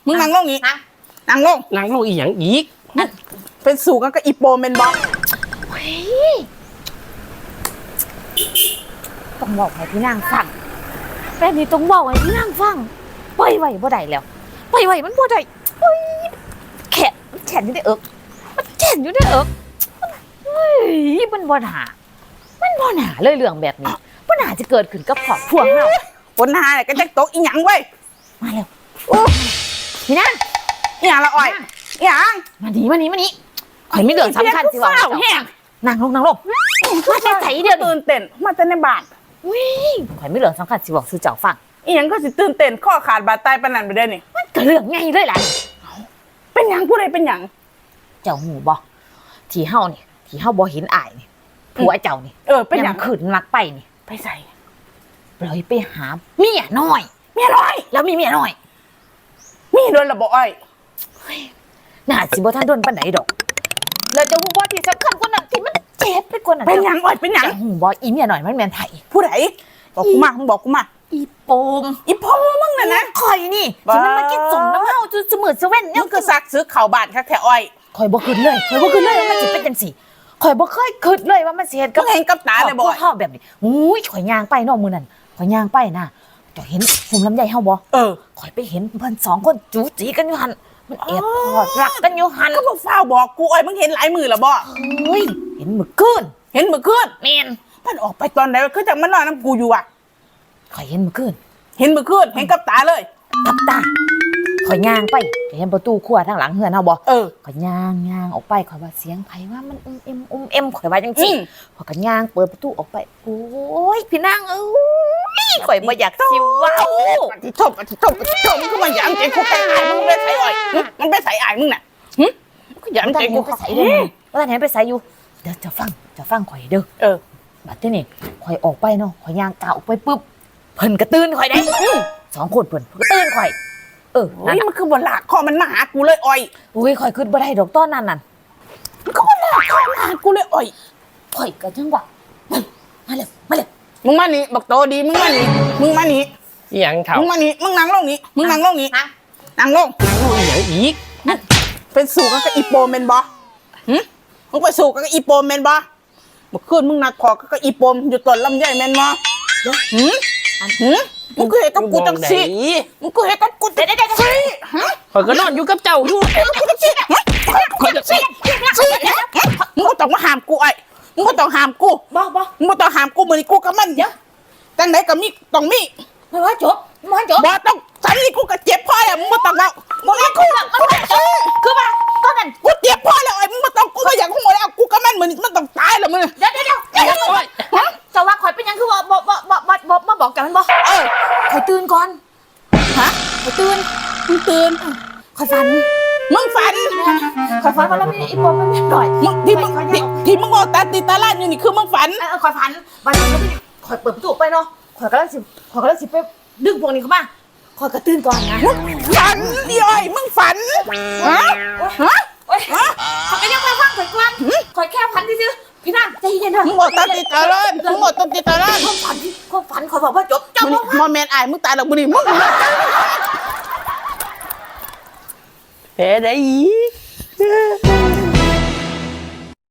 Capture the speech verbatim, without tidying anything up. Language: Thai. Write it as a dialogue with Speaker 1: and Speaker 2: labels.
Speaker 1: มึงนั่งลงนี้นั่งลง
Speaker 2: นั่งลงอีหยังอีก
Speaker 1: เป็นสู่กันกับอีโปเมนบอก
Speaker 3: เฮ้ยต้องบอกให้พี่นางฟังแบบนี้ต้องบอกให้พี่นางฟังปล่อยไหวบ่ได้แล้วปล่อยไหวมันบ่ได้เฮ้ยแขนแขนอยู่ในเอิกมันแขนอยู่ในเอิกเฮ้ยมันบ่หนามันบ่หนาเลยเรื่องแบบนี้บ่หนาจะเกิดขึ้นกับครอบครัวเฮา
Speaker 1: คนหาเนี่ยก็จะตกอีหยังเว้ย
Speaker 3: มาแล้วพี่นาง
Speaker 1: อีหยังละอ้อยอีหยัง
Speaker 3: มานี่มานี่มานี่ข่อยมีเรื่องสำคัญสิว่าแห้งนั่งลงนั่งลงมาแต่ใจเดียว
Speaker 1: ตื่นเต้นมาแต่ในบ้าน
Speaker 3: วิ่งข่อยมีเรื่องสำคัญสิบอกสู่เจ้าฟัง
Speaker 1: อีหยังก็สิตื่นเต้นข้อขาดบาดตายปานนั้นไปได้นี่
Speaker 3: มันก็เรื่องไงเลยล่ะ
Speaker 1: เป็นหยังผู้ใดเป็นหยัง
Speaker 3: เจ้าหูบ่ที่เฮานี่ที่เฮาบ่เห็นอายนี่ผัวเจ้านี่
Speaker 1: เออเป็นหยัง
Speaker 3: ขึ้นมักไปนี่
Speaker 1: ไปใส่
Speaker 3: ปล่อยไปหาเมียน้อย
Speaker 1: เมียน้อย
Speaker 3: แล้วมีเมียน้อย
Speaker 1: มีโดนละบ่อ้อย
Speaker 3: น่าสิบ่ทันโดนปานใดดอกแล้วเจ้าหูบ่ที่สำคัญกว่านั้นที่มันเจ็บไปกว่านั้น
Speaker 1: เป็นหยังอ้อยเป็นหยัง
Speaker 3: หูบ่อีเมียน้อยมันแม่นไผ
Speaker 1: ผู้ใดบอกกูมามึงบอกกูมา
Speaker 3: อีโปม
Speaker 1: อีโปมมึงน่ะนะ
Speaker 3: ข่อยนี่ที่มันมากินสมน้ำเฮาจุดมื้อซะเว้น
Speaker 1: เนี่ยคือซักซื้อข้าวบ้านคักแท้อ้อย
Speaker 3: ข่อยบ่คิดเลยข่อยบ่คิดเลยว่ามันสิเป็นจังซี่ข่อยบ่เคยคิดเลยว่ามันสิเฮ็ดกับ
Speaker 1: เห็นกับตาเลยบ่
Speaker 3: เฮาแบบนี้อุ้ยข่อยย่างไปเนาะมื้อนั้นข่อยย่างไปนะเจ้าเห็นหุ่มลำไยเฮาบ่
Speaker 1: เออ
Speaker 3: ข่อยไปเห็นเพิ่นสองคนจู๋จีกันอยู่หั่นมันแอบพอดรักกันอยู่หั่น
Speaker 1: ก็บ่ฟ้าวบอกกูอ้อยมึงเห็นหลายมื้อแล้วบ่
Speaker 3: เฮ้ยเห็นมื้อคืน
Speaker 1: เห็นมื้อคืน
Speaker 3: แม่น
Speaker 1: มันออกไปตอนไหนคือจังมันนอนนำกูอยู่อ่ะ
Speaker 3: ข่อยเห็นมื้อคืน
Speaker 1: เห็นมื้อคืนเห็นกับตาเลย
Speaker 3: กับตาข่อยย่างไปเห็นประตูครัวทางหลังเฮือนเฮาบ่
Speaker 1: เออ
Speaker 3: ข่อยย่างย่างออกไปข่อยว่าเสียงไผว่ามันอุ้มเอ็มอุ้มเอ็มข่อยว่าจังซี่ข่อยก็ย่างเปิดประตูออกไปโอ้ยพี่นางเอ้ยข่อยบ่อยากสิเว้า
Speaker 1: ติโทษติโทษติโทษมึงคือมาหยามใจกูแค่อายมึงไปใส่อ้อยมันไปใส่อายมึงน่ะหึกูหยามใจกู
Speaker 3: ไปใส่เด้อว่าท่านเห็นไปใส่อยู่เดี๋ยวจะฟังจะฟังข่อยเด้อ
Speaker 1: เออ
Speaker 3: บัดนี้นี่ข่อยออกไปเนาะข่อยย่างก้าวออกไปปึ๊บเพิ่นก็ตื่นข่อยได้สองคนเพิ่นก็ตื่นข่อยเออ
Speaker 1: นี่มันคือบ่ลากคอมันมาหากูเลยอ้อย
Speaker 3: อุ้ยข่อยคิดบ่ได้ดอกตอนนั้นนั่น
Speaker 1: มันก็บ่ลากคอมาหากูเลยอ้อย
Speaker 3: ข่อยก็จังว่ามาเลยมาเลย
Speaker 1: มึงมานี่บักโตดีมึงมานี่มึงมานี่
Speaker 2: อีหยังเฒ่า
Speaker 1: มึงมานี่มึงนั่งลงนี่มึงนั่งลงนี่นั่งลง
Speaker 2: นั่งลงอีหยังอีก
Speaker 1: เป็นสู่กันกับอีโปแม่นบ่หึมึงไปสู่กันกับอีโปแม่นบ่เมื่อคืนมึงนัดคอกับอีโปมอยู่ต้นลำไยแม่นบ่หึหึมึงก็เฮ็ดกับกูจังซี่มึงก็เฮ็ดกับกูจังซี่ฮะ
Speaker 2: ข่อยก็นอนอยู่กับเจ้าอยู่
Speaker 1: ข่อยจะซี่มึงก็ต้องมาห้ามกูไอ้มึงก็ต้องห้ามกู
Speaker 3: บ่บ่
Speaker 1: มึงก็ต้องห้ามกูมื้อนี้กูกับมันเด้อจังได๋ก็มีต้องมี
Speaker 3: ไม่ว่าจบไม่ว่าจบ
Speaker 1: บ่ต้องฉันนี่กูก็เจ็บพอแล้วมึงบ่ต้องเว้ามึงให้กู
Speaker 3: มันว่าจบคือว่าตอนนั้น
Speaker 1: กูเจ็บพอแล้วไอ้มึงบ่ต้องกูบ่อยากฮู้แล้วกูกับมันมื้อนี้มันต้องตายแล้วมึง
Speaker 3: เดี๋ยวๆๆเดี๋ยวๆจะว่าข่อยเป็นหยังคือว่าบ่บ่บ่บ่บ่มาบอกกันมันบ่
Speaker 1: เออ
Speaker 3: ข่อยตื่นก่อน
Speaker 1: ฮะ
Speaker 3: ข่อยตื่น
Speaker 1: มึงตื่น
Speaker 3: ข่อยฝัน
Speaker 1: มึงฝัน
Speaker 3: ข่อยฝันว่าเรามีอีปอมมันนิดหน่อย
Speaker 1: มึงที่มึงที่มึงบอกตาตีตาล้านอยู่นี่คือมึงฝัน
Speaker 3: เออข่อยฝันวันนี้ข่อยเปิดประตูไปเนาะข่อยก็เลยสิข่อยก็เลยสิไปดึงพวกนี้เข้ามาข่อยก็ตื่นก่อนนะ
Speaker 1: ฝันดิอ้อยมึงฝันฮะฮะ
Speaker 3: ฮะข่อยก็ยังไม่ฟังข่อยกวนข่อยแค่ฝันซื่อพี่นางใจเย็นเถอะ
Speaker 1: มึงบอกตาตีตาล้านมึงบอกตาตีตาล้าน
Speaker 3: ความฝันความฝันข่อยบอกว่าจบจบ
Speaker 1: มอแมนอายมึงตายแล้วบุรีมึง
Speaker 2: แพ้ได้อี